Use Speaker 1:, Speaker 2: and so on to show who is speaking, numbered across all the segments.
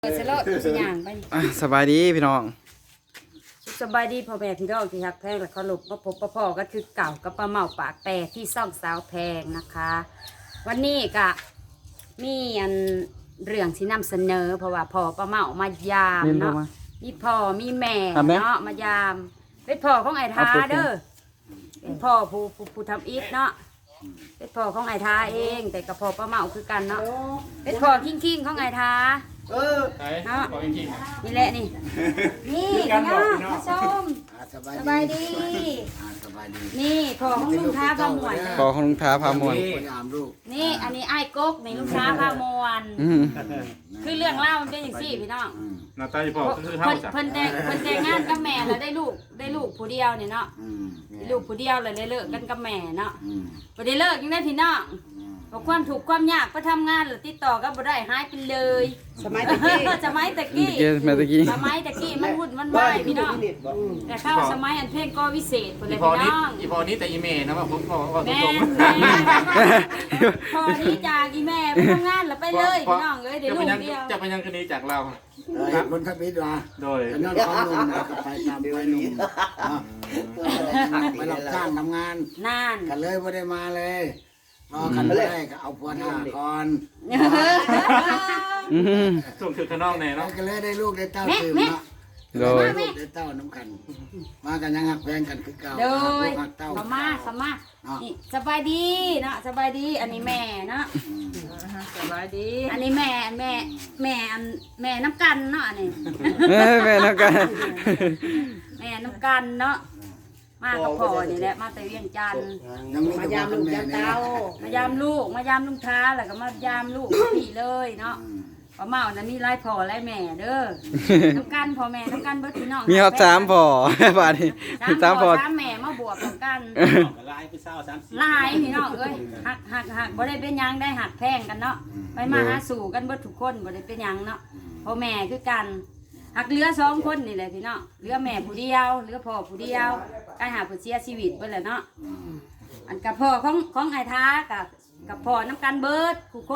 Speaker 1: เสร็จแล้วสิย่างไป
Speaker 2: สบายดีพี่น้อง
Speaker 1: สบายดีพ่อแม่พี่น้องที่ฮักแพงและเคารพมาพบพ่อก็คือเก่ากับป้าเมาปากแปรที่ซ่องสาวแพงนะคะ วันนี้ก็มีอันเรื่องที่นำเสนอเพราะว่าพ่อป้าเมามายามเนาะมีพ่อมีแม่เนาะมายามเป็นพ่อของไอ้ทาเด้อเป็นพ่อผู้ทำอิฐเนาะเป็นพ่อของไอ้ทาเองแต่กับพ่อป้าเมาคือกันเนาะเป็นพ่อคิงของไอ้ทาเนาะนี่แหละนี่พี่น้องมาชมสบายดีนี่พ่อของลุงท้าพามวน
Speaker 2: พอของลุงท้าพามวล
Speaker 1: นี่อันนี้ไอ้กกนี่ลุงท้าพามวนคือเรื่องเล่ามันเป็นอย่างซี่พี่น้อง
Speaker 3: หน้าตาอีพ่อคือเฮาจ้ะ
Speaker 1: เพิ่นแต่งงานกับแม่แล้วได้ลูกผู้เดียวนี่เนาะลูกผู้เดียวเลยได้เลิกกันกับแม่เนาะบ่ได้เลิกยังได้พี่น้องเพราะความถูกข์ความยากไปทำงานหรือติดต่อก็บ่ได้หายไปเลยสมัยตะกี้สมัยตะกี้มันวุ่นมันวายพี่น้องแต่เข้าสมัยอันเพลงก็วิเศษพุ่นเลยพี่น้อง
Speaker 3: อีพ่อนี้แต่อีเมนะว่าผมพ่อว่า
Speaker 1: แม่
Speaker 3: ตรง
Speaker 1: พอนี้จากอีแม่ไปทำงานแล้วไปเลยพี่น้องเอ้ยเดี๋ยวลูกเดียว
Speaker 3: จะไปยังคดีจากเรา
Speaker 4: คนทับอิฐว่า
Speaker 3: โดย
Speaker 4: นอนของนุ่มแล้วก็ไปตามไปนุ่มไปรับจ้างทำงาน
Speaker 1: นาน
Speaker 4: กันเลยไม่ได้มาเลยรอกันไม่ได้ก็เอาพวท่าก่อน
Speaker 3: ส่วนคือข้างนอกแน่
Speaker 4: แล้ว
Speaker 3: เนาะ
Speaker 4: ก็เลยได้ลูกได้เต้าตื่นเนาะ
Speaker 2: โดย
Speaker 4: ได้ลูกได้เต้าน้ำกัน มากันยังหักแพงกันคือเก่า
Speaker 1: โดย
Speaker 4: หักเต้า
Speaker 1: สมานี่สบายดีเนาะสบายดีอันนี้แม่เนาะสบายดีอันนี้แม่น้ำกันเนาะอันนี้
Speaker 2: แม่นักกัน
Speaker 1: แม่น้ำกันเนาะมากับพ่อนี่แหละมาแต่เวียงจันทน์
Speaker 4: ยังมียามลูกยามเต้าม
Speaker 1: ายามลูกมายามลุงท้าแล้วก็มายามลูกพี่เลยเนาะป้าเมานะมีหลายพ่อหลายแม่เด้อน้ำกันพ่อแม่น้ำกันเบิดพี่น้อง
Speaker 2: มีฮอต3พอบาดนี้
Speaker 1: สาม
Speaker 2: 3พ
Speaker 1: พ่
Speaker 2: อ
Speaker 1: อสามแม่มาบวกกันหลายพี่น้องเอ้ยหักบ่ได้เป็นหยังได้หักแพงกันเนาะไปมาหาสู่กันเบิดทุกคนบ่ได้เป็นหยังเนาะพ่อแม่คือกันหักเหลือ2คนนี่แหละพี่น้องเหลือแม่ผู้เดียวเหลือพ่อผู้เดียวการหาผู้เสียชีวิตเบิดแหละเนาะอันกับพ่อของไอ้ท้ากับพ่อน้ำกันเบิดทุกคน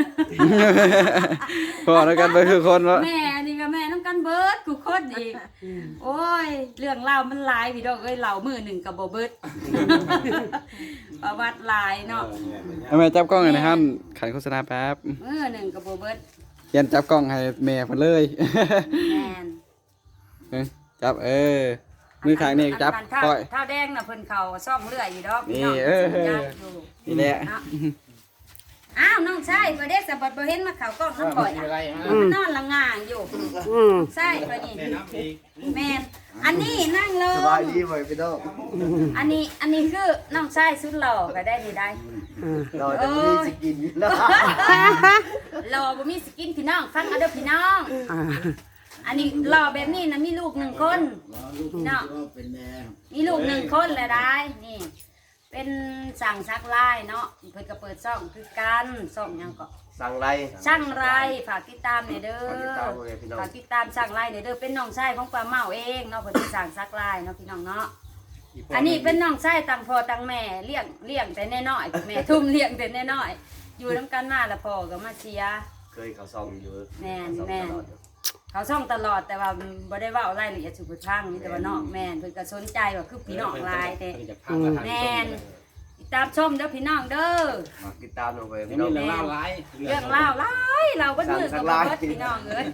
Speaker 2: พอนักกันไปคือคนวะ
Speaker 1: แม่นี่ก็แม่น้ำกันเบิดทุกคนอีกโอ้ยเรื่องเล่ามันหลายพี่น้องเอ้ยเล่ามือหนึ่งกับบ่เบิด ประวัติหลายเนาะ
Speaker 2: แม่จับกล้องหน่อยนะครับขันโฆษณาแป๊บ
Speaker 1: มือหนึ่งกับบ่เบิด
Speaker 2: ยันจับกล้องให้แม่เพิ่นเลย
Speaker 1: แม่น
Speaker 2: จับมือข้างนี่จับ
Speaker 1: ข้า
Speaker 2: ก้
Speaker 1: ว
Speaker 2: อย
Speaker 1: ข้าวแดงน่ะเพิ่นเขาซ่อมเลื่อยอยู่ดอกพี่
Speaker 2: นี่
Speaker 1: น้องอยู่
Speaker 2: นี่แหละ
Speaker 1: เนาะอ้าวน้องชายประเด็กสะบัดบ่เห็นมาเขากล้องน้ำก่อยอ่ะมันนอนละง่างอยู่ใช่ปะนี่แม่นอันนี้นั่งเลย
Speaker 4: สบายดีไหมพี่น้อง
Speaker 1: อันนี้คือน้องชายสุดหล่อก็ได้ดีได้
Speaker 4: เราจะมีสกินแล้ว
Speaker 1: หล่อบ่มีสกินพี่น้องฟังเอาเด้อพี่น้องอันนี้หล่อแบบนี้นะมีลูก1คนพี่น้อง
Speaker 4: เป็นแม่
Speaker 1: มีลูก1คนแล้วได้นี่เป็นสั่งซักลายเนาะเพิ่นก็เปิดช่องคือกันช่องหยังก็
Speaker 5: สั่งไร
Speaker 1: ช่างไรฝากติดตามหน่อยเด้อ ฝากติดตามช่างไรหน่อยเด้อเป็นน้องชายของป้าเมาเองเนาะเพิ่นสิสั่งซักลายเนาะพี่น้องเนาะอันนี้เป็นน้องชายต่างพ่อต่างแม่เลี้ยงแต่น้อยๆแม่ทุ่มเลี้ยงแต่น้อยๆอยู่นำกันมาแล้วพ่อก็มาเชียร์
Speaker 5: เคยเขาซ่องอยู่
Speaker 1: แม่นเขาช่องตลอดแต่ว่าบ่ได้เว้ารายละเอียดสุดทางมีแต่ว่าน้องแม่นเพิ่นก็สนใจว่าคือพี่น้องหลายแต่แม่นติดตามชมเด้อพี่น้องเด้อ
Speaker 5: มาติดตามลงไปพี่น้อง
Speaker 1: เรื่องเล่าหลายเราก็มือกับบ่เบิดพี่น้องเอ้ย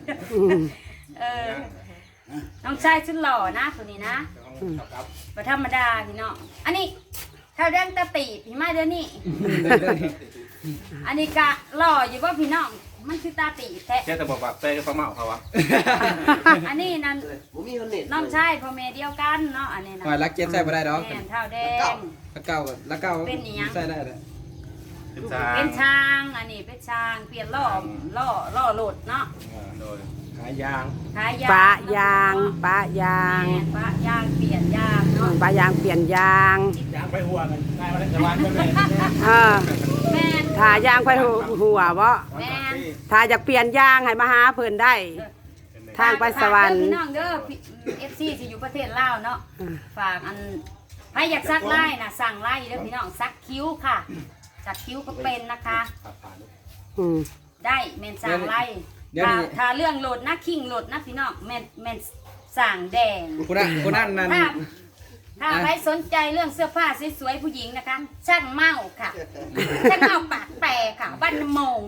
Speaker 1: น้องชายชุดหล่อนะคนนี้นะบ่ธรรมดาพี่น้องอันนี้ข้าวแดงตะตีพี่มาเดี๋ยวนี้ อันนี้กะหล่ออยู่ว่าพี่น้องมันคือตาตีแท้
Speaker 3: แค่แต่บอกว่าเต้กับป้าเมาเขาวะ
Speaker 1: อันนี้นั่น
Speaker 5: ผมมีคนเน็ต
Speaker 1: น้องชายพ่อแม่เดียวกันเนาะอันนี้นะ
Speaker 2: หอยรักเก็ตใส่บ่ได้ดอก
Speaker 1: แม่นข้าวแดง
Speaker 2: แล้วเก่าใส่ได้เลย
Speaker 3: เป็นจ้า
Speaker 1: เป็นช้างอันนี้เป็นช้างเปลี่ยนล่อโหลดเนาะ
Speaker 3: โดย
Speaker 2: ขายยาง
Speaker 1: ขายยาง
Speaker 6: ปะยางปะยาง
Speaker 1: แม่นปะยางเปลี่ยนยางเนาะ
Speaker 6: ปะยางเปลี่ยนยาง
Speaker 3: ยางไปหัวกันได้มาได้จะวันกันเลย
Speaker 6: เออ
Speaker 1: แม่น
Speaker 6: ถ้ายางไปหัวบ่
Speaker 1: แม่น
Speaker 6: ถ้าอยากเปลี่ยนยางให้มาหาเพิ่นได้ ทางไปสวรรค์
Speaker 1: พี่น้องเด้อFC ที่อยู่ประเทศลาวเนาะฝากอันใครอยากซักไล่นะสั่งไล่เด้อพี่น้องซักคิ้วค่ะซักคิ้วก็เป็นนะคะ
Speaker 6: อืม
Speaker 1: ได้เมนสั่งไล่
Speaker 2: เดี๋ยวนี้
Speaker 1: ถ้าเรื่องโหลดนะคิงโหลดนะพี่น้องแม่นสั่งแดง
Speaker 2: คนนั้นนั่น
Speaker 1: ถ้าใครสนใจเรื่องเสื้อผ้าสวยๆผู้หญิงนะคะช่างเมาค่ะช่างเมาปากแปรค่ะบ้านน้ำมง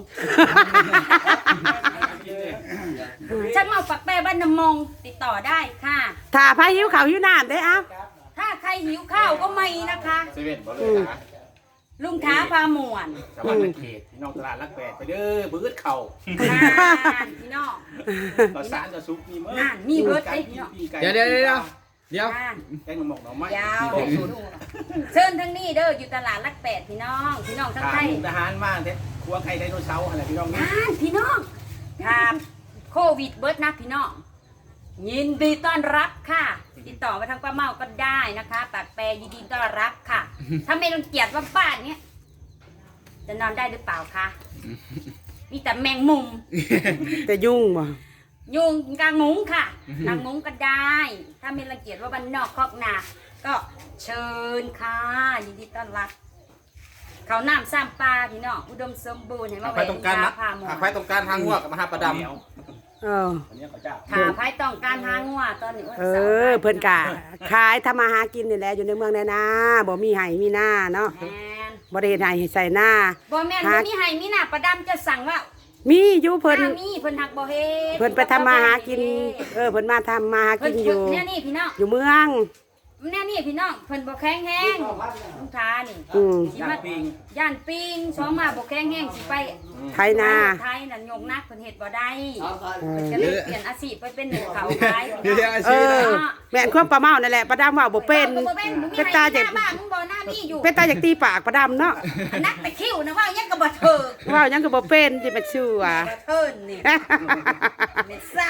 Speaker 1: ช่างเมาปากแปรบ้านน้ำมงติดต่อได้ค่ะ
Speaker 6: ถ้าพาหิวข้าวหิวน้ำได้เอ้า
Speaker 1: ถ้าใครหิวข้าวก็ไม่นะคะ
Speaker 3: เซเว่นบ่เลยนะ
Speaker 1: ลุงท้าพาหมวน
Speaker 3: ชาวบ้านในเขตพี่น้องตลาดรักแปดไปเด้อบื้อเข่า
Speaker 1: น่านพี่น้อง
Speaker 3: ต่อสารต่อซุปมีมื้อ
Speaker 1: น่านมีเบิร์ดไอ้พี่น้อง
Speaker 2: เดี๋ยว
Speaker 1: น่าน
Speaker 3: แกงหมกหน่อไม้
Speaker 1: ยาวเชิญทั้งนี้เด้ออยู่ตลาดรักแปดพี่น้องทั้ง
Speaker 3: ทา
Speaker 1: ไท
Speaker 3: น
Speaker 1: ย
Speaker 3: ทหารมากเด้ครัวไก่ไดโนเสาร์อะไรพี่น้องนี่
Speaker 1: น่านพี่น้องครับโควิดเบิร์ดนะพี่น้องยินดีต้อนรับค่ะติดต่อมาทางป้าเมาก็ได้นะคะปากแปรยินดีต้อนรับค่ะ ถ้าไม่รังเกียจว่าบ้านเนี้ยจะนอนได้หรือเปล่าคะมีแต่แมงมุม
Speaker 6: แต่ยุ่งบ่
Speaker 1: ยุงกางมุ้งค่ะกางมุ้งก็ได้ ถ้าไม่รังเกียจว่าบ้านนอกคอกนาก็เชิญค่ะยินดีต้อนรับเขาน้ำซ้ำปลาพี่น้องอุดมสมบูรณ์เห็นไหม
Speaker 3: หากไปตรงการนะ
Speaker 1: พาหมอ
Speaker 3: หากไปตรงการทางหัวกับมหาประดำ
Speaker 6: เออ
Speaker 3: อันนี้เขาเจ้า
Speaker 1: ถ้าใครต้องการหางัวตอนนี้วัน
Speaker 6: เอ
Speaker 1: สาร์
Speaker 6: อเพิ่นกะขายทำมาหากินนี่แหละอยู่ในเมืองแน่นาบ่มีไห้มีหน้าเนาะ
Speaker 1: แมน
Speaker 6: บ่ได้เฮ็ดไห้ให้ใส่หน้า
Speaker 1: บ่แม่นบ่มีให้มีหน้าประดำจะสั่งว่า
Speaker 6: มีอยู่เพิ่น
Speaker 1: ถ้ามีเพิ่นหักบ่เฮ็ด
Speaker 6: เพิ่นไปทำมาหากิน เออเพิ่นมาทำมาหา
Speaker 1: เพิ่
Speaker 6: กิ
Speaker 1: น
Speaker 6: นอยู่
Speaker 1: เนี่ยนี่พี่น้อง
Speaker 6: อยู่เมือง
Speaker 1: เนี่ยนี่พี่น้องเพิ่นบ่แข็งแห้งลุงทานี่
Speaker 6: อืม
Speaker 1: สิมาย่านปิงสองมาบ่แข็งแห้งสิไป
Speaker 6: ไทยนา
Speaker 1: ไทยนั่นยกนักเพิ่นเฮ็ดบ่ได้
Speaker 5: เอาก่อน
Speaker 6: เออ
Speaker 1: ก็เลยเปลี่ยนอาชีพไปเป็นหนูเขาขาย
Speaker 2: เดี๋ยวอา
Speaker 6: เอ
Speaker 2: ชีพ
Speaker 6: อแม่นความประเมานั่นแหละประดำว่าบ่เป็น
Speaker 1: บ่เป็นมึงมี
Speaker 6: เป็น
Speaker 1: ให้
Speaker 6: ตา
Speaker 1: ห
Speaker 6: จาก
Speaker 1: น้าบ้านมึงบ่หน้ามีอยู่
Speaker 6: เป็นตาจากตีปากประดำเนาะ
Speaker 1: นักไปคิ้วนะว่ายังก็บ่เถิก
Speaker 6: ว่าหยังก็บ่เป็นสิมาชื่อว่า
Speaker 1: บ่เทินนี่เม็ดซ่า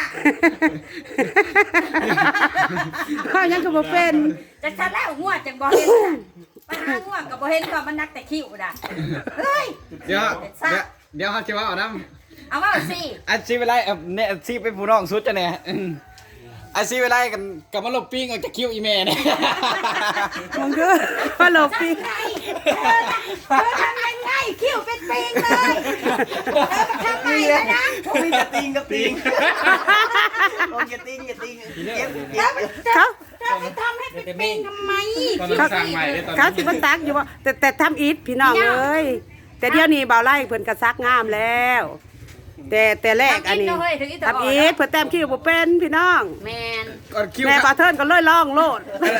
Speaker 6: ว่าหยังก็บ่เป็น
Speaker 1: จักซะแล้วงัวจังบ่เห็นน่ะไปหางัวก็บ่เห็นว่ามันนักแต่คิ้วน่ะเฮ้ย
Speaker 2: เดี๋ยวเขาจะว่าเอาน้ำ
Speaker 1: เอาว่าสิ
Speaker 2: อาชีพอะไรเนี่ยอาชีพเป็นผู้น้องสุดจะเนี่ยอาชีพอะไรกันกับมาลบปิ้งออกจากคิ้วอีเมเนี่ย
Speaker 6: มึงก็ว่าหลบปี
Speaker 1: เธอทำยังไงคิ้วเป็นปิงเลยเธอไปทำไมนะนะ
Speaker 5: มีกระติงกระติงโอ้ยกระติงเก็บ
Speaker 6: เขา
Speaker 1: เธอไปทำให้เป็นปิงทำไม
Speaker 3: ตอนนั้นสร้างใหม่เลยตอน
Speaker 6: เขาสิมาซักอยู่ว่าแต่ทำอิฐพี่น้องเอ้ยแต่เดี๋ยวนี้บ่าวไล่เพิ่นก็ซักงามแล้ว แต่แรกอันนี้ทำอิฐเพิ่นแต้มคิ้วบ่เป็นพี่น้อง
Speaker 1: แมน
Speaker 2: ก่อนคิ้ว
Speaker 6: แม่บ่าวเทินก็เลยลองโลด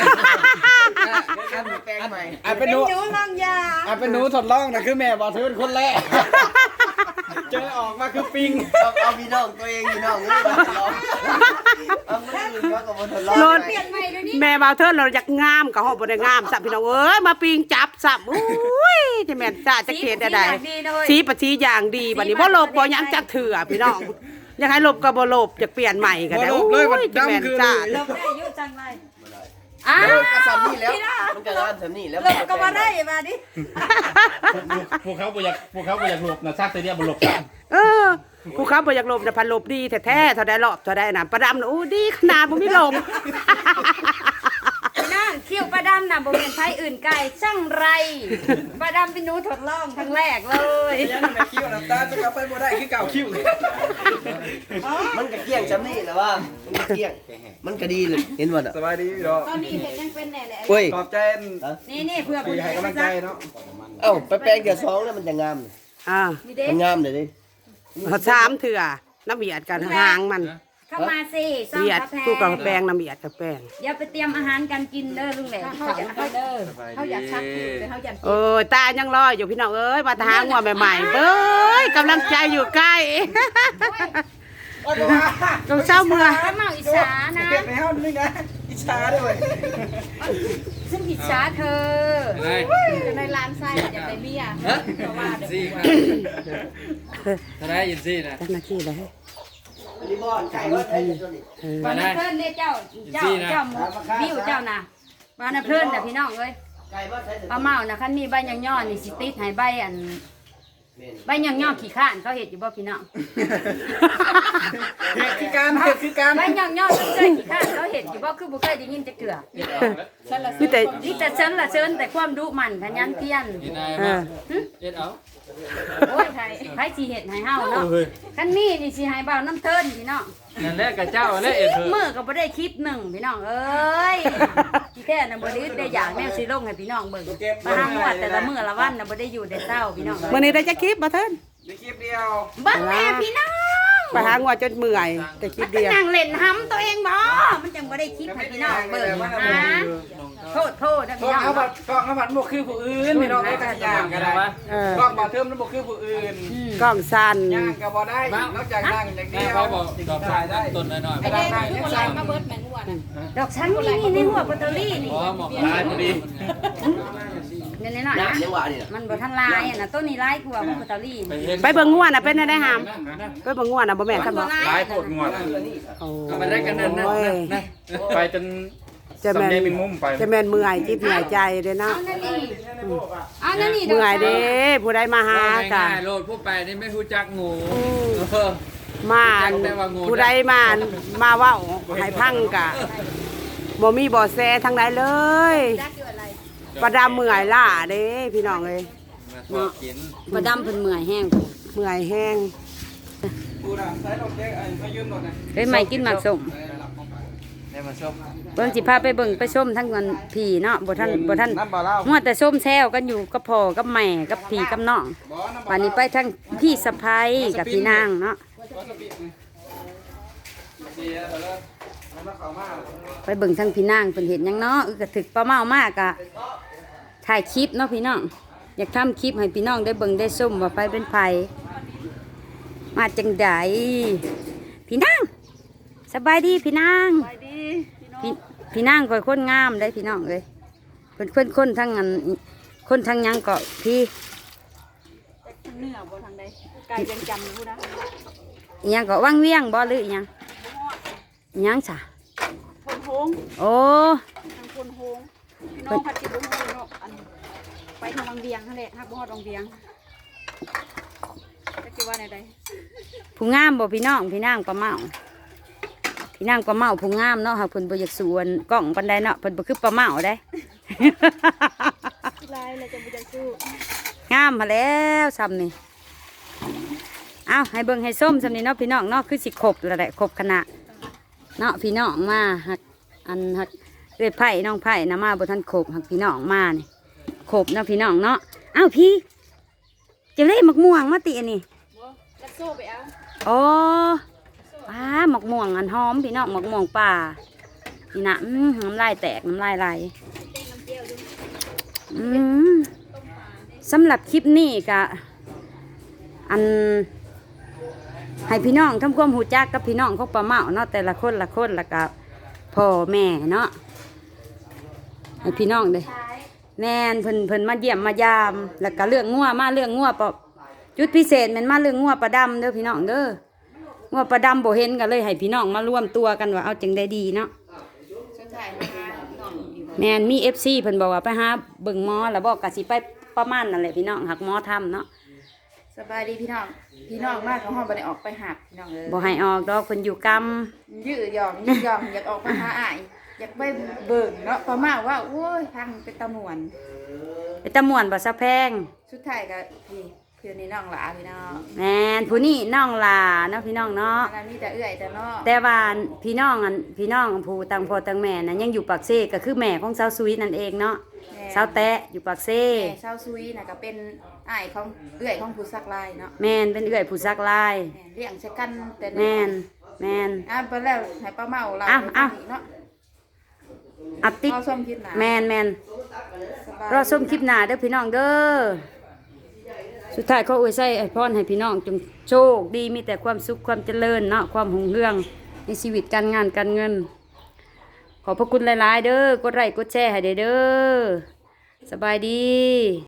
Speaker 5: แปลงใหม่
Speaker 2: เป็นหนู
Speaker 1: ลองยา
Speaker 2: เป็นหนูทดลองนะคือแม่บอกเธอเป็นคนแรกเจอออกมาคือปิง
Speaker 5: เอาพี่น้องตัวเองพี่น้องนี่มาลองเอาไม่อื่นก็กับบนถนน
Speaker 6: โลด
Speaker 1: เปลี่ยนใหม่เดี๋ยวนี้
Speaker 6: แม่บ่าวเทินเราอยากงามก็ฮอดบ่ได้งามสับพี่น้องเอ้ยมาปิงจับสับอุ้ยจะแม่นจ้าจะเกลียดได้ สีประชีอย่างดีบัดนี้บ่ลบบ่หยังจักเถื่อพี่น้องอยากให้ลบก็บ่ลบอยากเปลี่ยนใหม่ก็ได้
Speaker 2: บ่ลบเลยมัน
Speaker 6: จะแม่น
Speaker 2: ดำคือ
Speaker 6: จ้า
Speaker 1: ลบได้ยุ่จังเลยอ้า
Speaker 5: ก็สำนี่แล้ว
Speaker 1: พี่น้อง
Speaker 5: มันก็ร้านสำนี่แล้ว
Speaker 1: ลบก็มาได้มาดิ
Speaker 3: พวกเขาบ่อยากหลบนะซักแต่เดียวบ่หลบกัน
Speaker 6: เออผู้เขาบ่อยากลบแต่พันลบดีแท้ๆเท่าได้รอบเท่าได้น่ะประดำน่ะโอ้ดีขนาดบ่มีลม
Speaker 1: พี่น้องคิ้วปลาดำน่ะบ่เป็นไผอื่นไกลช่างไรปลาดำเป็นหนูทดลองครั้งแรกเลย
Speaker 2: ยังแม่คิ้วน้ำตาจะกลับไปบ่ได้คือเก่าคิ้ว
Speaker 5: มันก็เกี้ยงสำนี่แหละว่ามันก็เกี้ยงมันก็ดีเลยเห็นบ่น่ะ
Speaker 2: สบายดีพี่น้อง
Speaker 1: ตอนนี้เห็นยังเป็นแน่แหละ
Speaker 5: เฮ้ย
Speaker 2: ขอบใจ
Speaker 1: นี่เพื่อ
Speaker 2: ปี
Speaker 1: ผู้
Speaker 2: ให้กำลังใจเนาะ
Speaker 5: เอ้าไปแปลงเดี๋ยว2แล้วมันจะงาม
Speaker 6: อ่า
Speaker 1: มีเด็ก
Speaker 5: มันงามเลยดิ
Speaker 6: เขาสามเถื่อน้ำเบียดกันหางมัน
Speaker 1: เข้ามาสิซ่อม
Speaker 6: เบียด
Speaker 1: กาแฟ
Speaker 6: ผู้กับแป้งน้ำเบียดกับแป้ง
Speaker 1: เดี๋ยวไปเตรียมอาหารการกินเด้อลุงแหลมเขาจะเอาเด้อ
Speaker 3: เขาอยากชักแต่เขาอยาก
Speaker 6: เออตายังรออยู่พี่น้องเอ้ยมาทางหัวใหม่ๆเบ้ยกำลังใจอยู่ใกล้ต้องเศร้าเมื่อ
Speaker 1: ข้าวเมาอิจฉานะ
Speaker 2: เก็บในห้องนึงนะอิจฉาด้วย
Speaker 1: ซึ่งอิจฉาเธอ
Speaker 7: ในร้านไส้อยากได้เบี้ยเพราะว่าเดี๋ยว
Speaker 2: ซี่ถ้าได้ยินซี่นะ
Speaker 6: เจ้าหน้าที่เลย
Speaker 5: นี่บ่อนไก่ว่าได้ตัวนี้
Speaker 1: บ้านเพื่อนเนี่ยเจ้าวิวเจ้านะบ้านเพื่อนแต่พี่น้องเอ้ย
Speaker 5: ไก่ว่าใช้
Speaker 1: ปลาเมานะคันมีใบย่อนๆนี่สิติดให้ใบอันใบหย่องย่อขี้ข้านเขาเห็ดอยู่บ่พี่น้อง
Speaker 2: คือการ
Speaker 1: ใบหย่องย่อเจอขี้ข้านเขาเห็ดอยู่บ่คือบ่เคยได้ยินจักเทื่อ
Speaker 6: มีแต่
Speaker 1: นี่แต่เชิญละเชิญแต่ความดุมันขยันเพียร
Speaker 6: เออ
Speaker 1: โอ้ยไผสิเฮ็ดให้เฮาเนาะคันมีนี่สิให้เบาน้ำเทินพี่น้อง
Speaker 3: นั่นแหละกับเจ้าและเอ็ดเถอะ
Speaker 1: มื้อก็บ่ได้คลิปหนึงพี่น้องเอ้ยที่แท้น่ะบ่ได้อึดได้อยากแนวสิลงให้พี่น้องเบิ่งมาหางวดแต่ละมื้อละวันน่ะบ่ได้อยู่ได้เช้าพี่น้อง
Speaker 6: มื้อนี้ได้จักคลิปบ่เทิน
Speaker 2: ในคลิปเดียว
Speaker 1: เบิ่งแม่พี่น้อง
Speaker 6: ไปหางัวจนเมื่อยแต่คลิปเดียว
Speaker 1: นั่งเล่นหำตัวเองบ่มันจังบ่ได้คลิปให้พี่น้องเบิ่งนะโทษนะ
Speaker 2: กล้
Speaker 1: พี่
Speaker 2: อง
Speaker 1: น้อง
Speaker 2: เอาบัตรกล้องเอาบัตรบ่คือผู้อื่นพี่น้องได้กันย่างก็ได้
Speaker 6: เออก
Speaker 2: ล้องบ่เทิมแล้วบ่คือผู้อื่น
Speaker 6: กล้องสั้น
Speaker 2: ย่างก็บ่ได้นอกจากนั่งอย่างเดียว
Speaker 3: เขาบอกดอกชายได้ต้นน้อยๆ
Speaker 7: ไอ้แดงคือโบราณมาเบิดแมงวัวน่ะ
Speaker 1: ดอกชั้นนี่ในหัวปัตเตอรี่นี่
Speaker 3: อ๋อหมอก
Speaker 2: ตายพอดี
Speaker 1: เนี่ยนี่น่ะ
Speaker 5: น้ำยังหวานนี่นะ
Speaker 1: มันบ่ทันลายอ่ะนะต้นนี้ลายกว่าปัตเตอรี่
Speaker 6: ไปเบิ่งงัวน่ะเป็นได้หามไปเบิ่งงัวน่ะบ่แม่นคั่นบ่
Speaker 3: หลายโพดงวด
Speaker 6: โอ้
Speaker 2: ก็มาได้กันนั่นนะ
Speaker 6: ย
Speaker 3: ไปจน
Speaker 6: จะแม่น
Speaker 3: สำเนียงเป็นมุมไป
Speaker 6: จะแม่นเมื่อยจิตเหนื่อยใจเด้อเนาะ
Speaker 1: เอานั่นนี่
Speaker 6: เมื่อยเด้ผู้ใดมาหาก็
Speaker 3: ง่ายๆโลดผู้ไปนี่ไม่รู้จักงูเออ
Speaker 6: มาผู้ใดมาเว้าให้พังกะบ่มีบ่แซทางใดเลย
Speaker 7: จักอยู่อะไร
Speaker 6: ประดาเมื่อยล่าเด้พี่น้องเอ้ย
Speaker 3: มาขอกิน
Speaker 1: บ่ดำเพิ่นเมื่อยแห้ง
Speaker 6: เมื่อยแห้ง
Speaker 2: กูน่ะใช้ดอกแก้มายืมรถน่ะ
Speaker 1: เฮ้ยใหม่กินหมากส้ม
Speaker 3: ได้มาชม
Speaker 1: เบิ่งสิพาไปเบิ่งไปชมทั้งวันพี่เนาะบ่ทัน
Speaker 2: น้ำบ่เล่า
Speaker 1: มัวแต่ชมแซวกันอยู่กับพ่อกับแม่กับพี่กับน้อง
Speaker 2: บ่น้ำบ่
Speaker 1: วันนี้ไปทั้งพี่สะใภ้กับพี่นางเนาะ
Speaker 2: ดีแล้วแล้วเข้ามา
Speaker 1: ไปเบิ่งทั้งพี่นางเพิ่นเห็นหยังเนาะก็ถึกป้าเมามากอะถ่ายคลิปเนาะพี่น้องอยากทำคลิปให้พี่น้องได้เบิ่งได้ชมว่าไปเป็นไผมาจังไดพี่นางสบายดีพี่นางพี่นางก็คนงามได้พี่น้องเอ้ยเพิ่นคนทั้งอันคนทั้งหยังก็พี่
Speaker 7: ทางเหนือบ่ทางใดไก่ยังจำอยู่นะ
Speaker 1: อิหยังก็วังเวียงบ่หรืออิหยังอิหยังจ้ะ
Speaker 7: พนโฮง
Speaker 1: โอ้
Speaker 7: ทางพนโฮงพี่น้องพัดจิตบุ้งเนาะอันไปทางวังเวียงนั่นแหละฮักบ่ฮอดวังเวียงจักสิว่าแนวใด
Speaker 1: ผู้งามบ่พี่น้องพี่นางปลาเมาพี่นางปลาเมาผู้งามเนาะหากเพิ่นบ่อยากสวนกล้องปานใดเนาะเพิ่นบ่คือปลาเมาได้
Speaker 7: ลายเลยจะบ่จักสู้
Speaker 1: งามมาแล้วซ้ำนี่เอาให้เบิ่งให้ส้มซ้ำนี่เนาะพี่น้องเนาะคือสิครบแล้วแหละครบคณะเนาะพี่น้องมาหักอันหักเอ้ยไผ่น้องไผ่นะมาบ่ทันครบหักพี่น้องมานี่ครบเนาะพี่น้องเนาะเอ้าพี่จะเล่หมักม่วงมาติอันนี้
Speaker 7: บ่จักสู้ไปเอา
Speaker 1: โอ้ป้าหมักม่วงอันหอมพี่น้องหมักม่วงป่านี่นะน้ำลายแตกน้ำลายไหลสำหรับคลิปนี้ก็อันให้พี่น้องทำความหูจักกับพี่น้องของป้าเมาเนาะแต่ละคนละคนแล้วก็พ่อแม่เนาะให้พี่น้องเด้แม่นเพิ่นมาเยี่ยมมายามแล้วก็เรื่องงัวมาเรื่องงัวปะจุดพิเศษแมันมาเรื่องงัวปลาดำเด้อพี่น้องเด้องัวปลาดำบ่เห็นกันเลยให้พี่น้องมาร่วมตัวกันว่าเอาจังได้ดีเนาะ
Speaker 7: สุดท้ายมาหาน้องอยู่
Speaker 1: แม่นมี FC เพิ่นบอกว่าไปหาเบิ่งหมอแล้วบอกก็สิไปประมาณนั่นแหละพี่น้องหักหมอทำเนาะ
Speaker 7: สบายดีพี่น้องมากเขาฮอดบ่ได้ออกไปหาพี่น้องเลย
Speaker 1: บ่ให้ออกดอกเพิ่นอยู่กรรม
Speaker 7: ยืดหย่อมอยากออกมาหาอ้ายอยากไปเบิ่งเนาะประมาณว่าโอ้ยพังเป็นตะมวน
Speaker 1: ไปตะม่วนบ่ซะแพง
Speaker 7: สุดท้ายก็พี่เพื่อนนี่น้องหลาพี่น้อง
Speaker 1: แม่นผู้นี้น้องลาเนาะพี่น้องเนาะ
Speaker 7: อันนั้นมีแต่เอื้อยแต่น้อง
Speaker 1: แต่ว่าพี่น้องผู้ต่างพ่อต่างแม่น่ะยังอยู่ปากเซก็คือแม่ของสาวซุยนั่นเองเนาะสาวแตะอยู่ปากเซ
Speaker 7: แม่ชาวซุยน่ะก็เป็นอ้ายของเอื้อยของผู้ซักลายเนาะ
Speaker 1: แม่นเป็นเอื้อยผู้ซักลาย
Speaker 7: แม่เลี้ยงใช้กันแต่
Speaker 1: แม่นแม่น
Speaker 7: ไปแล้วให้ป้าเมาเรา
Speaker 1: อ้าว
Speaker 7: เนาะ
Speaker 1: อัดติด
Speaker 7: เอาส้มคิดหนา
Speaker 1: แม่น
Speaker 7: สบาย
Speaker 1: รอส้มคลิปหน้าเด้อพี่น้องเด้อสุดท้ายขออวยใส่พรให้พี่น้องจงโชคดีมีแต่ความสุขความเจริญเนาะความหุ่งเรืองในชีวิตการงานการเงิน ขอบพระคุณหลายๆเด้อกดไลค์กดแชร์ให้เด้อสบายดี